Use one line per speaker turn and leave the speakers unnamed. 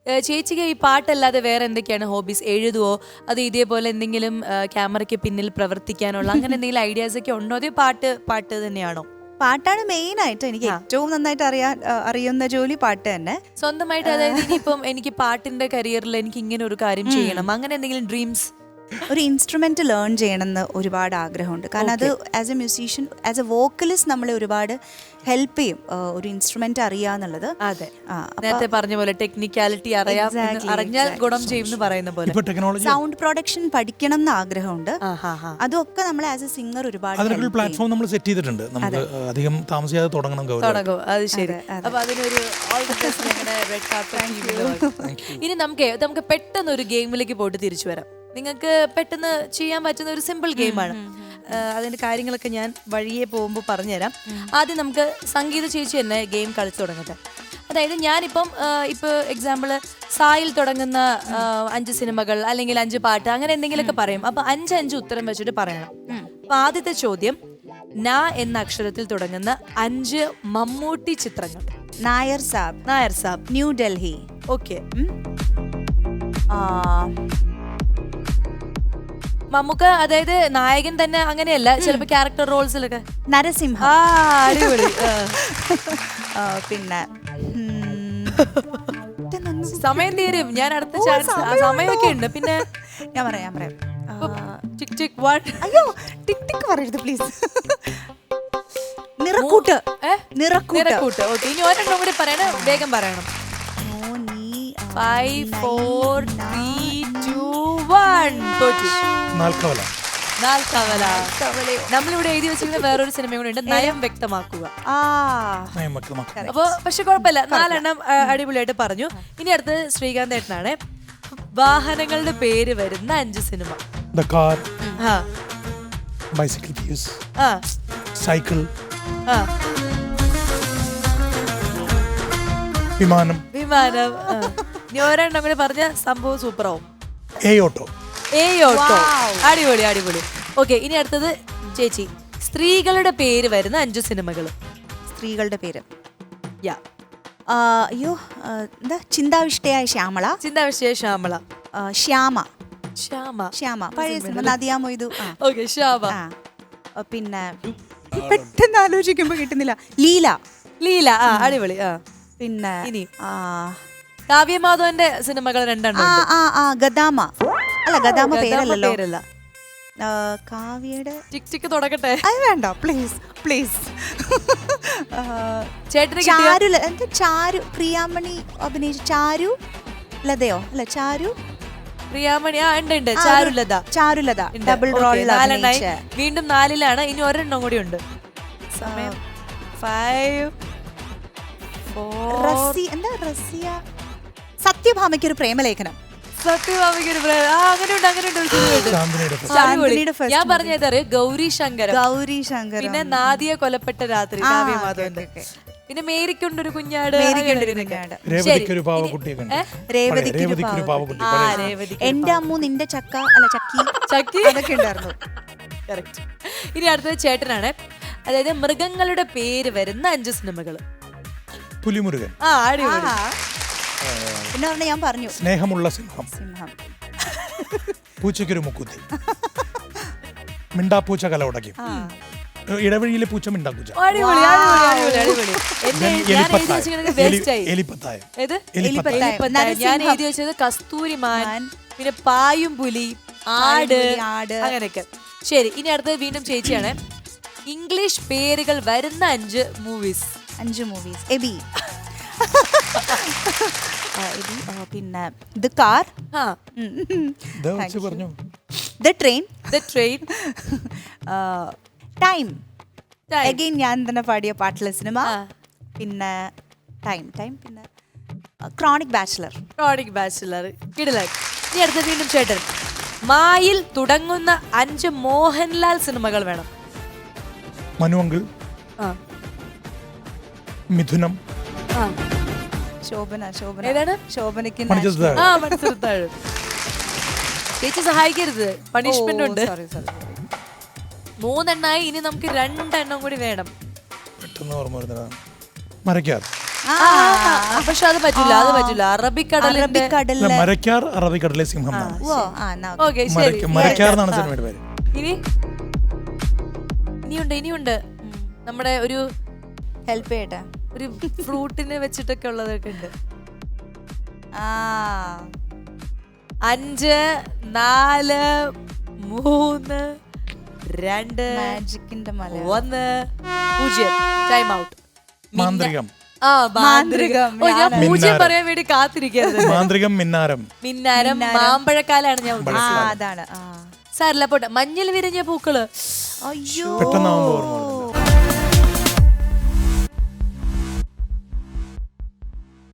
ചേച്ചിക്ക് ഈ പാട്ടല്ലാതെ വേറെ എന്തൊക്കെയാണ് ഹോബീസ്? എഴുതുവോ? അത് ഇതേപോലെ എന്തെങ്കിലും ക്യാമറയ്ക്ക് പിന്നിൽ പ്രവർത്തിക്കാനുള്ള അങ്ങനെ എന്തെങ്കിലും ഐഡിയാസ് ഒക്കെ ഉണ്ടോ? അതോ പാട്ട് തന്നെയാണോ?
പാട്ടാണ് മെയിൻ ആയിട്ട് എനിക്ക് ഏറ്റവും നന്നായിട്ട് അറിയുന്ന ജോലി പാട്ട് തന്നെ.
സ്വന്തമായിട്ട് അതായത് ഇനിയിപ്പം എനിക്ക് പാട്ടിന്റെ കരിയറിൽ എനിക്ക് ഇങ്ങനെ ഒരു കാര്യം ചെയ്യണം, അങ്ങനെ എന്തെങ്കിലും ഡ്രീംസ്?
ഒരു ഇൻസ്ട്രുമെന്റ് ലേൺ ചെയ്യണമെന്ന് ഒരുപാട് ആഗ്രഹമുണ്ട്. കാരണം അത് as a musician, as a vocalist നമ്മളെ ഒരുപാട് ഹെൽപ്പ് ചെയ്യും ഒരു ഇൻസ്ട്രുമെന്റ് അറിയാന്നുള്ളത്.
അതെ, നേരത്തെ പറഞ്ഞ പോലെ ടെക്നിക്കാലിറ്റി അറിഞ്ഞാൽ ഗുണം ചെയ്യും എന്ന് പറയുന്ന പോലെ.
സൗണ്ട് പ്രൊഡക്ഷൻ പഠിക്കണം എന്ന് ആഗ്രഹമുണ്ട്. അതൊക്കെ നമ്മളെ ആസ് എ സിംഗർ ഒരുപാട്
പ്ലാറ്റ്ഫോം നമ്മൾ സെറ്റ് ചെയ്തിട്ടുണ്ട്. നമുക്ക് അധികം താമസിയാതെ തുടങ്ങും.
അത് ശരി. അപ്പൊ അതിനൊരു ഇനി നമുക്ക് പെട്ടെന്ന് ഒരു ഗെയിമിലേക്ക് പോയിട്ട് തിരിച്ചു വരാം. നിങ്ങൾക്ക് പെട്ടെന്ന് ചെയ്യാൻ പറ്റുന്ന ഒരു സിമ്പിൾ ഗെയിമാണ്. അതിന്റെ കാര്യങ്ങളൊക്കെ ഞാൻ വഴിയെ പോകുമ്പോൾ പറഞ്ഞുതരാം. ആദ്യം നമുക്ക് സംഗീത ചേച്ചി തന്നെ ഗെയിം കളിച്ചു തുടങ്ങട്ടെ. അതായത് ഞാനിപ്പം ഇപ്പോൾ എക്സാമ്പിൾ സായിൽ തുടങ്ങുന്ന 5 സിനിമകൾ അല്ലെങ്കിൽ 5 പാട്ട് അങ്ങനെ എന്തെങ്കിലുമൊക്കെ പറയും. അപ്പൊ 5 ഉത്തരം വെച്ചിട്ട് പറയണം. അപ്പൊ ആദ്യത്തെ ചോദ്യം, ന എന്ന അക്ഷരത്തിൽ തുടങ്ങുന്ന 5 മമ്മൂട്ടി ചിത്രങ്ങൾ.
നായർ സാബ്, ന്യൂ ഡൽഹി.
ഓക്കെ. മമ്മൂക്ക അതായത് നായകൻ തന്നെ അങ്ങനെയല്ല, ചിലപ്പോ ക്യാരക്ടർ റോൾസിലൊക്കെ.
നരസിംഹ.
അടിപൊളി.
പിന്നെ
സമയം തീരും, ഞാൻ അടുത്ത ചാൻസ്. സമയമൊക്കെ ഉണ്ട്. പിന്നെ
ഞാൻ പറയാം
ടിക് ടിക് 1.
അയ്യോ ടിക് ടിക് പറയരുത് പ്ലീസ്. നിറക്കൂട്ട്.
ഓക്കെ, ഇനി ഒരെണ്ണം കൂടി പറയണം, വേഗം പറയണം. 5 4 3 2 1. നമ്മളിവിടെ എഴുതി വെച്ചിരുന്ന വേറൊരു സിനിമ കൂടെ ഉണ്ട്, നയം വ്യക്തമാക്കുക. അപ്പൊ പക്ഷെ കുഴപ്പമില്ല, 4 എണ്ണം അടിപൊളിയായിട്ട് പറഞ്ഞു. ഇനി അടുത്തത് ശ്രീകാന്ത് ഏട്ടനാണ്. വാഹനങ്ങളുടെ പേര് വരുന്ന 5 സിനിമ.
സൈക്കിൾ, വിമാനം.
ഇനി ഒരെണ്ണം കൂടി പറഞ്ഞ സംഭവം സൂപ്പറാവും.
ഓട്ടോ.
അടിപൊളി. ഓക്കെ, ഇനി അടുത്തത് ചേച്ചി. സ്ത്രീകളുടെ പേര് വരുന്ന 5 സിനിമകൾ.
സ്ത്രീകളുടെ പേര് അയ്യോ എന്താ? ചിന്താവിഷ്ടയായ ശ്യാമള. ശ്യാമ പഴയ സിനിമ. നദിയ മൊയ്തു.
ഓക്കെ, ശ്യാമ.
പിന്നെ പെട്ടെന്ന് ആലോചിക്കുമ്പോ കിട്ടുന്നില്ല. ലീല.
അടിപൊളി.
പിന്നെ
ഇനി കാവ്യമാധവന്റെ സിനിമകൾ 2 എണ്ണം.
ഗദാമ പേരല്ല. കാവ്യയുടെ
ടിക് ടിക് തുടങ്ങട്ടെ.
അത് വേണ്ട പ്ലീസ്. ചാരു പ്രിയാമണി അഭിനയിച്ച ചാരുലതയോ അല്ല
പ്രിയാമണി. ഉണ്ട്
ചാരുലത ഡബിൾ റോൾ.
വീണ്ടും 4ലാണ്. ഇനി ഒരെണ്ണം കൂടി ഉണ്ട്. സമയം 5 4.
റസിയ. സത്യഭാമയ്ക്കൊരു പ്രേമലേഖനം.
ഞാൻ പറഞ്ഞത് ഗൗരി ശങ്കർ. പിന്നെ നാദിയ കൊലപ്പെട്ട രാത്രി കാവ്യമാധവന്റെ. പിന്നെ മേരിക്കൊണ്ടൊരു കുഞ്ഞാട്.
എന്റെ അമ്മു നിന്റെ ചക്കി അതൊക്കെ ഉണ്ടായിരുന്നു.
ഇനി അടുത്തത് ചേട്ടനാണ്. അതായത് മൃഗങ്ങളുടെ പേര് വരുന്ന 5 സിനിമകൾ.
പുലിമുരുകൻ.
അടിപൊളി.
പിന്നെ ഞാൻ പറഞ്ഞു
സ്നേഹമുള്ള സിംഹം. പൂച്ചയ്ക്കൊരു മുക്കുത്തി. മിണ്ടാപ്പൂച്ച കല ഉടക്കും. ഇടവഴിയിലെ പൂച്ച മിണ്ടാപ്പൂച്ച.
ഞാൻ എഴുതി വെച്ചത് കസ്തൂരിമാൻ, പിന്നെ പായും പുലി, ആട്, അങ്ങനെയൊക്കെ. ശരി, ഇനി അടുത്തത് വീണ്ടും ചേച്ചിയാണ്. ഇംഗ്ലീഷ് പേരുകൾ വരുന്ന 5 മൂവീസ്.
എബി. പിന്നെ the car. The train. Time. Again ഞാൻ തന്നെ പാടിയ പാട്ടുള്ള സിനിമ. പിന്നെ ടൈം. പിന്നെ ക്രോണിക് ബാച്ചിലർ.
കിടിലൻ. ഇനി അടുത്ത വീണ്ടും ചേട്ടൻ. മായിൽ തുടങ്ങുന്ന 5 മോഹൻലാൽ സിനിമകൾ വേണം.
മനുവങ്കിൾ, മിഥുനം,
ശോഭനയ്ക്ക്
ചേച്ചി സഹായിക്കരുത്, പണിഷ്മെന്റ് ഉണ്ട്. 3 എണ്ണമായി. ഇനി നമുക്ക് 2 എണ്ണം കൂടി വേണം.
മരക്കാർ.
പക്ഷെ അത് പറ്റൂല അറബിക്കടലിന്റെ
അറബിക്കടലിലെ
മരക്കാർ അറബിക്കടലിലെ സിംഹം എന്നാണ്.
ഓ ആ എന്നാ okay.
ഓക്കെ ശരി.
മരക്കാർ എന്നാണ് സിനിമയുടെ പേര്.
ഇനിയുണ്ട് നമ്മുടെ ഒരു
ഹെൽപ്പ് ചെയ്യട്ടെ.
ഒരു ഫ്രൂട്ടിനെ വെച്ചിട്ടൊക്കെ ഉള്ളതൊക്കെ ഉണ്ട്. 5 4 3 2
മാജിക്കിന്റെ മല
1 0 ടൈം ഔട്ട്.
മാന്ത്രികം.
മാന്ത്രികം. ഞാൻ പൂജ്യം പറയാൻ വേണ്ടി കാത്തിരിക്കരുത്.
മാന്ത്രികം മിന്നാരം.
മിന്നാരം മാമ്പഴക്കാലാണ് ഞാൻ
ആ
ഉദ്ദേശിച്ചത്.
അതാണ്.
സാരില്ല പോട്ടെ. മഞ്ഞിൽ വിരിഞ്ഞ പൂക്കള്.
അയ്യോ
പെട്ടെന്നാവുമ്പോ ഓർമ്മ